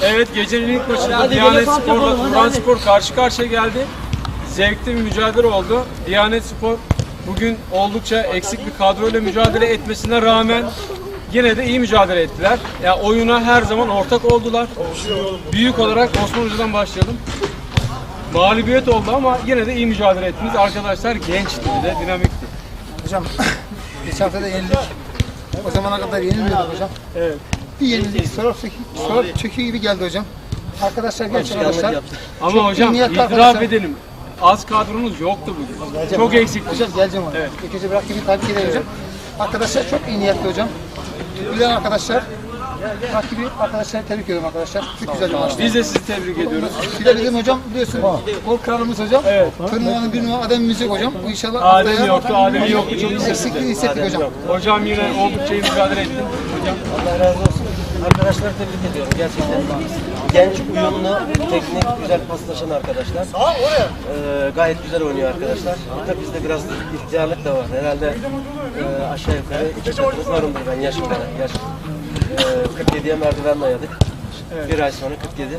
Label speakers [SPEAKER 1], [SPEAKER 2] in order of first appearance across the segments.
[SPEAKER 1] Evet, gecenin ilk maçında Diyanet Spor'la Turanspor karşı karşıya geldi. Zevkli bir mücadele oldu. Diyanet Spor bugün oldukça eksik bir kadroyla mücadele etmesine rağmen yine de iyi mücadele ettiler. Yani oyuna her zaman ortak oldular. Büyük olarak Osman Hoca'dan başlayalım. Mağlubiyet oldu ama yine de iyi mücadele ettiniz. Arkadaşlar gençti, bir de dinamikti.
[SPEAKER 2] Hocam geçen hafta da yenildik. O zamana kadar yenilmiyorduk hocam.
[SPEAKER 1] Evet.
[SPEAKER 2] Bir yenildik. Sonra çöküyor gibi geldi hocam. Arkadaşlar genç arkadaşlar.
[SPEAKER 1] Ama hocam
[SPEAKER 2] niyetli
[SPEAKER 1] itiraf
[SPEAKER 2] arkadaşlar.
[SPEAKER 1] edelim. Az kadronuz yoktu bugün. Çok eksikti.
[SPEAKER 2] Hocam geleceğim ona.
[SPEAKER 1] Evet.
[SPEAKER 2] İkinci bırak gibi takip edelim hocam. Arkadaşlar çok iyi niyetli hocam. Bilen arkadaşlar. Rakibi arkadaşlar tebrik ediyorum arkadaşlar. Çok güzel bir maçtı.
[SPEAKER 1] Biz de sizi tebrik ediyoruz.
[SPEAKER 2] Bir de bizim hocam biliyorsun gol kralımız hocam.
[SPEAKER 1] Evet.
[SPEAKER 2] Turnuvanın bir numara ademimiz yok hocam. Bu inşallah
[SPEAKER 1] Adem yoktu, Adem yoktu. Çok
[SPEAKER 2] eksikliğini hissettik hocam.
[SPEAKER 1] Hocam yine oldukça iyi mücadele etti. Hocam.
[SPEAKER 3] Allah razı olsun. Arkadaşları tebrik ediyorum gerçekten. Genç, uyumlu, teknik, güzel paslaşan arkadaşlar. Gayet güzel oynuyor arkadaşlar. Tabii bizde biraz ihtiyarlık da var. Herhalde aşağı yukarı 2 katımız varımdır ben yaş olarak. Yaş 47'ye merdiven dayadık. Bir ay sonra 47.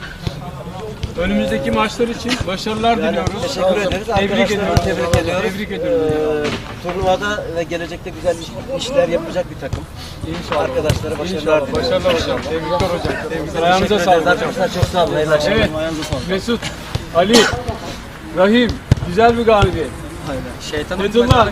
[SPEAKER 1] Önümüzdeki maçlar için başarılar diliyoruz.
[SPEAKER 3] Teşekkür ederiz.
[SPEAKER 1] Tebrik
[SPEAKER 3] Arkadaşları
[SPEAKER 1] ediyoruz.
[SPEAKER 3] tebrik ediyoruz.
[SPEAKER 1] Tebrik ediyoruz.
[SPEAKER 3] Turnuvada ve gelecekte güzel işler yapacak bir takım.
[SPEAKER 1] İnşallah.
[SPEAKER 3] Arkadaşlara başarılar diliyoruz.
[SPEAKER 1] Başarılar hocam. Tebrikler hocam. Tebrikler. Ayağınıza sağlık hocam.
[SPEAKER 3] Arkadaşlar çok sağ olun. Hayırlı akşamlar.
[SPEAKER 1] Evet. Mesut, Ali, Rahim, güzel bir galibiyet. Fethullah,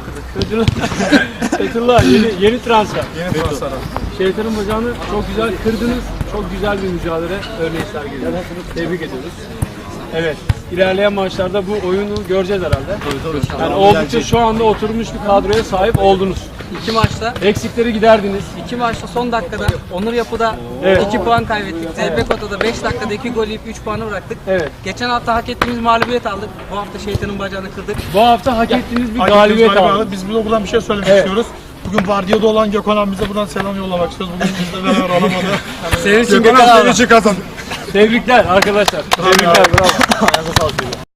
[SPEAKER 1] Fethullah yeni transfer. Yeni transfer. Şeytanın bacağını çok güzel kırdınız. Çok güzel bir mücadele örneği sergilediniz. Tebrik ediyoruz. Evet. İlerleyen maçlarda bu oyunu göreceğiz herhalde. Yani oldukça şu anda oturmuş bir kadroya sahip oldunuz.
[SPEAKER 4] İki maçta,
[SPEAKER 1] Eksikleri giderdiniz.
[SPEAKER 4] iki maçta son dakikada Onur Yapı'da
[SPEAKER 1] Evet.
[SPEAKER 4] 2 puan kaybettik. ZB Kota'da 5 dakikada 2 gol yiyip 3 puanı bıraktık.
[SPEAKER 1] Evet.
[SPEAKER 4] Geçen hafta hak ettiğimiz mağlubiyet aldık. Bu hafta şeytanın bacağını kırdık.
[SPEAKER 1] Bu hafta hak ettiğiniz bir galibiyet aldınız.
[SPEAKER 5] Biz buradan bir şey söylemek
[SPEAKER 1] Evet.
[SPEAKER 5] istiyoruz. Bugün vardiyada olan Gökhan abimize buradan selam yollamak istiyoruz. Bugün bizle beraber olamadı.
[SPEAKER 1] Senin için
[SPEAKER 5] Gökhan
[SPEAKER 1] Gökhan
[SPEAKER 5] abi için kazandı.
[SPEAKER 1] Tebrikler arkadaşlar. Tebrikler. Bravo.